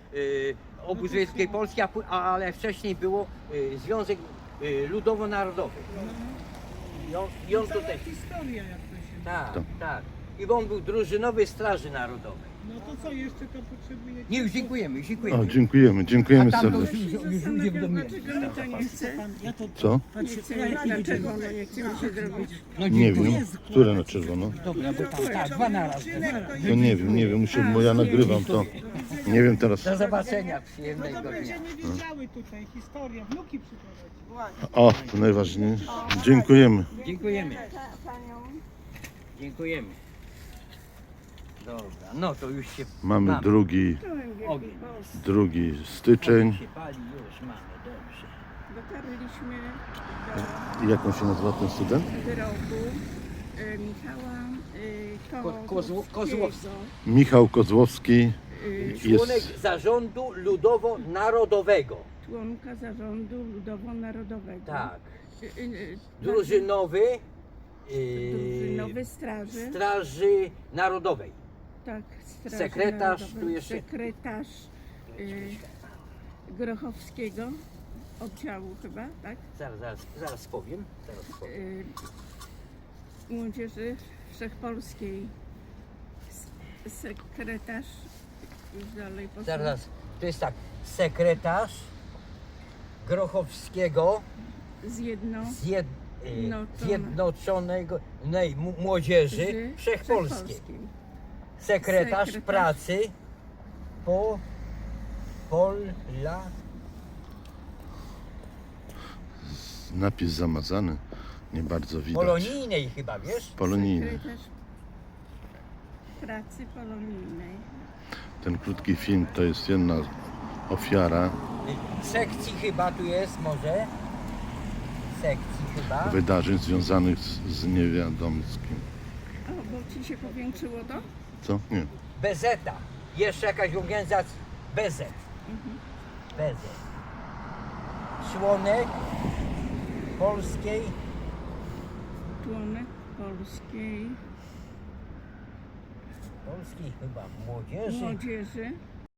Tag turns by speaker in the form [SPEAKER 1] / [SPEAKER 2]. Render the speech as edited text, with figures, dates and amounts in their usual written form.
[SPEAKER 1] Obóz Wiejskiej Polski, ale wcześniej było Związek Ludowo-Narodowy. I on tutaj...
[SPEAKER 2] Historia jak to się...
[SPEAKER 1] Tak, tak. I on był drużynowy Straży Narodowej.
[SPEAKER 2] No to co jeszcze to potrzebujecie?
[SPEAKER 1] Nie, już dziękujemy,
[SPEAKER 3] O,
[SPEAKER 1] dziękujemy.
[SPEAKER 3] dziękujemy
[SPEAKER 1] A tam to już
[SPEAKER 3] serdecznie.
[SPEAKER 1] ludzie w domu.
[SPEAKER 2] Dlaczego mi to nie chce?
[SPEAKER 3] Co?
[SPEAKER 2] Dlaczego no nie chce mi się zrobić?
[SPEAKER 1] No
[SPEAKER 3] Nie
[SPEAKER 1] dziękuję.
[SPEAKER 3] wiem, które na czerwono.
[SPEAKER 1] Dobra, bo tam tak, dwa na raz.
[SPEAKER 3] To nie wiem, bo ja nagrywam to. Nie wiem teraz.
[SPEAKER 1] Do zobaczenia,
[SPEAKER 2] No
[SPEAKER 1] przyjemnego
[SPEAKER 2] to
[SPEAKER 1] dnia.
[SPEAKER 2] będzie nie wiedziały tutaj historia, wnuki przyprowadzi.
[SPEAKER 3] O, to najważniejsze. Dziękujemy.
[SPEAKER 1] Dziękujemy. Dziękujemy. Dobra, no to już się
[SPEAKER 3] Mamy
[SPEAKER 1] ogień.
[SPEAKER 3] 2 styczeń.
[SPEAKER 1] Się pali, już mamy, dobrze.
[SPEAKER 4] Dotarliśmy
[SPEAKER 3] Jak on się nazywa ten student?
[SPEAKER 4] do wyrobu Michała
[SPEAKER 1] Kozłowskiego.
[SPEAKER 3] Michał Kozłowski.
[SPEAKER 1] Członek
[SPEAKER 3] Jest
[SPEAKER 1] Zarządu Ludowo-Narodowego.
[SPEAKER 4] członka Zarządu Ludowo-Narodowego.
[SPEAKER 1] Tak.
[SPEAKER 4] Drużynowy
[SPEAKER 1] Drużynowy
[SPEAKER 4] Drużynowy Straży.
[SPEAKER 1] Straży Narodowej.
[SPEAKER 4] Tak, Straży
[SPEAKER 1] Sekretarz,
[SPEAKER 4] Narodowej.
[SPEAKER 1] tu jeszcze-
[SPEAKER 4] Sekretarz Grochowskiego oddziału chyba, tak?
[SPEAKER 1] Zaraz powiem.
[SPEAKER 4] Młodzieży Wszechpolskiej. Sekretarz już dalej poszło.
[SPEAKER 1] Zaraz, to jest tak. Sekretarz Grochowskiego Zjednoczonego Młodzieży Wszechpolskiej. Sekretarz
[SPEAKER 4] Sekretarz.
[SPEAKER 1] pracy
[SPEAKER 3] napis zamazany. Nie bardzo widać.
[SPEAKER 1] polonijnej chyba, wiesz?
[SPEAKER 3] Polonijny.
[SPEAKER 4] Sekretarz pracy polonijnej.
[SPEAKER 3] Ten krótki film to jest jedna ofiara
[SPEAKER 1] Sekcji chyba tu jest może. Sekcji chyba.
[SPEAKER 3] wydarzeń związanych z niewiadomskim.
[SPEAKER 4] O, bo ci się powiększyło to?
[SPEAKER 3] Co? Nie.
[SPEAKER 1] Bezeta. Jeszcze jakaś organizacja. Bezet. Bezet. Członek polskiej
[SPEAKER 4] Członek polskiej
[SPEAKER 1] chyba młodzieży.
[SPEAKER 4] młodzieży